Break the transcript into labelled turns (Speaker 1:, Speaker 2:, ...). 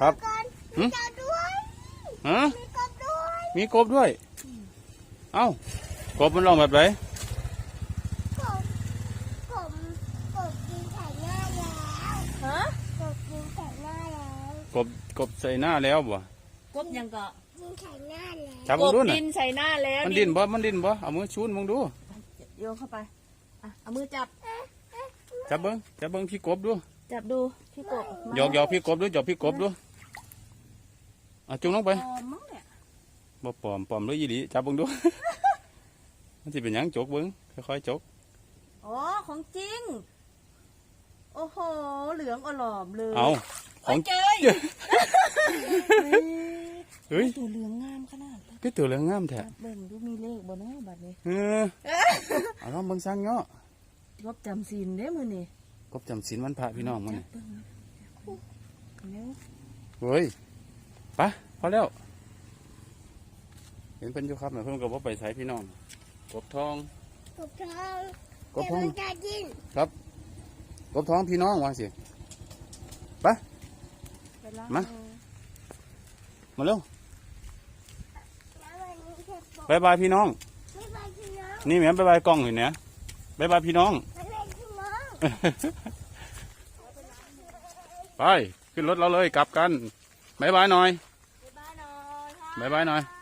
Speaker 1: ครับหืมฮะมีกบด้วยเอ้ากบมันร้องแบบไหน
Speaker 2: ฮะ
Speaker 1: กบใส่หน้าแล้วบ่
Speaker 2: กบยังก็
Speaker 1: จับ
Speaker 2: ก
Speaker 1: มึง
Speaker 2: บ
Speaker 1: ดูน่ะ
Speaker 2: ดินใส่หน้าแล้ว
Speaker 1: มันดิ้นบ่เอามือชูนมึงดู
Speaker 2: โยนเข้าไปอ่ะเอามือจับ
Speaker 1: จับเบิ้งพี่กบดู
Speaker 2: จับดูพี่กบ
Speaker 1: หยอกพี่กบดูหยอกพี่กบดูจุงลงไป
Speaker 2: ปลอมมั้งเนี่ย
Speaker 1: บ่ปลอมเลยยี่หลีจับเบิ้งดู มันสิเป็นหยังจกเบิ้งค่อยๆจก
Speaker 2: อ๋อของจริงโอ้โหเหลืองอลอมเลย
Speaker 1: เอาของ
Speaker 2: เจย
Speaker 1: เฮ้ย
Speaker 2: ตัวเหลืองงามขนาด
Speaker 1: ก็ตัวเหลืองงามแท้
Speaker 2: เบิ่งดูมีเลขบ่เนาะบัดนี้
Speaker 1: เอาลองเบิ้งซังเนาะ
Speaker 2: กบจำศีลเด้มื้อนี้
Speaker 1: กบจำศีลวันพระพี่น้องมันนี่
Speaker 2: เบิ่งเร็ว
Speaker 1: เฮ้ยไปพอแล้วเห็นเพิ่นอยู่ครับเพิ่นก็บ่ไปใส่พี่น้องกบทองกบทองครับกบทองพี่น้องว่าสิไป
Speaker 2: ไปล้าง
Speaker 1: มา
Speaker 2: มือ
Speaker 1: มาเร็วบายบายพี่น้องนี่แม่บายบายกล้องเห็นเนี่ยบายบายพี่น้อง ไปขึ้นรถเราเลยกลับกันบายบายหน่อย
Speaker 2: บ๊ายบายหน่อยค่ะ
Speaker 1: บายบายหน่อย
Speaker 2: บ